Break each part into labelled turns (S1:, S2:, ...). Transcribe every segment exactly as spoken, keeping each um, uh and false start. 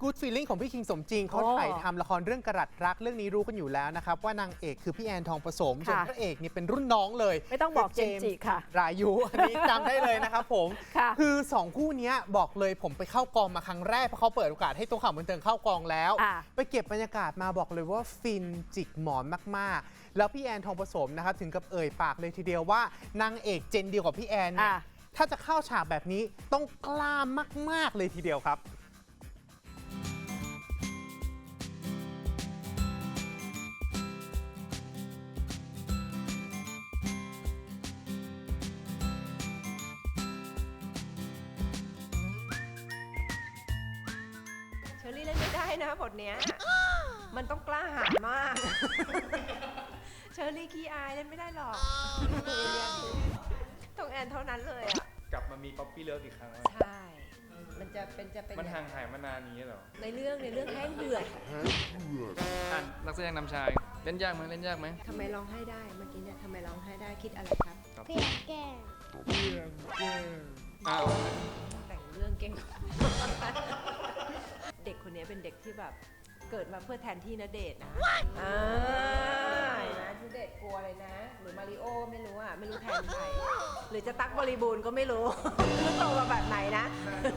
S1: Good Feeling ของพี่คิงสมจริงเขาถ่ายทำละครเรื่องกระดัดรักเรื่องนี้รู้กันอยู่แล้วนะครับว่านางเอกคือพี่แอนทองผสมส่วนพระเอกนี่เป็นรุ่นน้องเลย
S2: ไม่ต้องบอกเจมส์จิค่ะ
S1: รายุอันนี้จำได้เลยนะครับผมคือสองคู่นี้บอกเลยผมไปเข้ากองมาครั้งแรกเพราะเขาเปิดโอกาสให้ตัวข่าวบันเทิงเข้ากองแล้วไปเก็บบรรยากาศมาบอกเลยว่าฟินจิกหมอนมากๆแล้วพี่แอนทองผสมนะครับถึงกับเอ่ยปากเลยทีเดียวว่านางเอกเจนเดียวกับพี่แอนเนี่ยถ้าจะเข้าฉากแบบนี้ต้องกล้ามากๆเลยทีเดียวครับ
S3: เชอรี่เล่นไม่ได้นะบทเนี้ย มันต้องกล้าหาญมาก เชอรี่ขี้อายเล่นไม่ได้หรอก ต้องแอนเท่านั้นเลยอ่ะ
S4: กลับมามีป๊อปปี้เลิฟอีกครั้งแล้ว
S3: ใช่ มันจะเป็นจะเป็น
S4: มันห่างหายมานานนี้เหรอ
S3: ในเรื่องในเรื่องแห้งเดือด
S4: อ่ะนักแสดงนำชาย เล่นยากไหมเล่นยากไหม
S3: ทำไมร้องไห้ได้เมื่อกี้เนี่ยทำไมร้องไห้ได้คิดอะไรครับ
S5: เพียงแก้ว
S4: อ้าว
S3: แต่งเรื่องเก่ง เด็กคนนี้เป็นเด็กที่แบบเกิดมาเพื่อแทนที่ณเดชน์นะอ่านะณเดชน์กลัวเลยนะ หรือมาริโอไม่รู้อ่ะไม่รู้แทนใครหรือจะตั๊กบริบูรณ์ก็ไม่รู้ โตมาแบบไหนนะ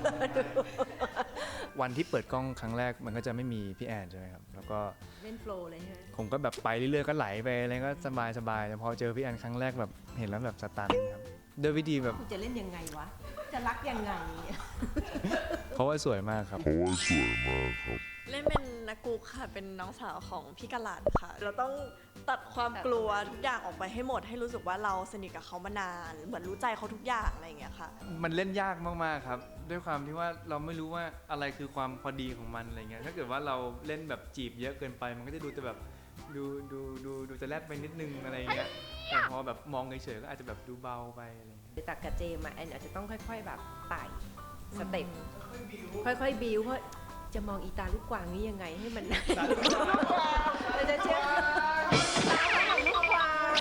S4: วันที่เปิดกล้องครั้งแรกมันก็จะไม่มีพี่แอนใช่ไหมครับ แล้วก็
S3: เล่นโฟลว์เลยใช่ไหม
S4: ผมก็แบบไปเรื่อยๆก็ไหลไปอะไรก็สบายสบายแต่พอเจอพี่แอนครั้งแรกแบบเห็นแล้วแบบสตันครับด้วยวิธีแบบ
S3: คุณจะเล่นยังไงวะ จะรักยังไง
S4: เพราะว่าสวยมากครับ
S6: เล่นเป็นนักกุ๊กค่ะ เป็นน้องสาวของพี่กะหลัดค่ะ เราต้องตัดความกลัวทุกอย่างออกไปให้หมด ให้รู้สึกว่าเราสนิทกับเขามานาน เหมือนรู้ใจเขาทุกอย่างอะไรอย่างเงี้ยค่ะ
S4: มันเล่นยากมากๆครับ ด้วยความที่ว่าเราไม่รู้ว่าอะไรคือความพอดีของมันอะไรเงี้ยถ้าเกิดว่าเราเล่นแบบจีบเยอะเกินไป มันก็จะดูแต่แบบดูดูดูดูจะแลบไปนิดนึงอะไรเงี้ยแต่พอแบบมองเฉยๆก็อาจจะแบบดูเบาไปอะไรเงี้ย
S3: ตักกับเจมอะแอนอาจจะต้องค่อยๆแบบไต่สเต็ปค่อยๆบิวเพราะจะมองอีตาลูกกวางนี้ยังไงให้มันตาลูกกวางเราจะเชื่อตาของลูกกวาง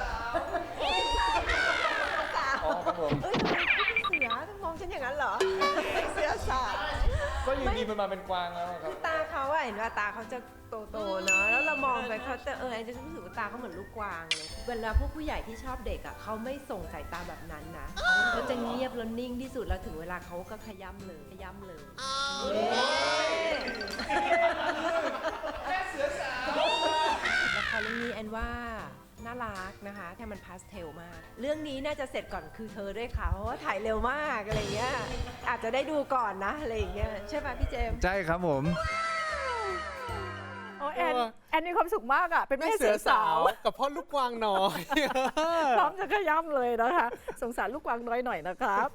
S4: อ๋อครับผม
S3: เอ้ยทำไมพี่เป็นเสือต้องมองฉันอย่างนั้นเหรอเสือสา
S4: ก็อยู่ดีมันมาเป็นกวางแล้วครับ
S3: ตาเขาอะเห็นว่าตาเขาจะโตๆเนาะแล้วเรามองไปเขาจะเออแอนจะรู้สึกว่าตาเขาเหมือนลูกกวางเลยเวลาพวกผู้ใหญ่ที่ชอบเด็กอะเขาไม่ส่งสายตาแบบนั้นนะเขาจะเงียบแล้วนิ่งที่สุดแล้วถึงเวลาเขาก็ขย้ำเลยขย้ำเลยละครเรื่องนี้แอนว่าน่ารักนะคะแค่มันพาสเทลมากเรื่องนี้น่าจะเสร็จก่อนคือเธอด้วยค่ะเพราะว่าถ่ายเร็วมากอะไรเงี้ยอาจจะได้ดูก่อนนะอะไรอย่างเงี้ยใช่ป่ะพี่เจมส์
S4: ใช่ครับผม
S2: โอ้แอนแอนมีความสุขมากอ่ะเป็นแม่เสือสาว
S1: กับพ่อลูกกวางน้อย
S2: พร้อมจะขย้ำเลยนะคะสงสารลูกกวางน้อยหน่อยนะครับ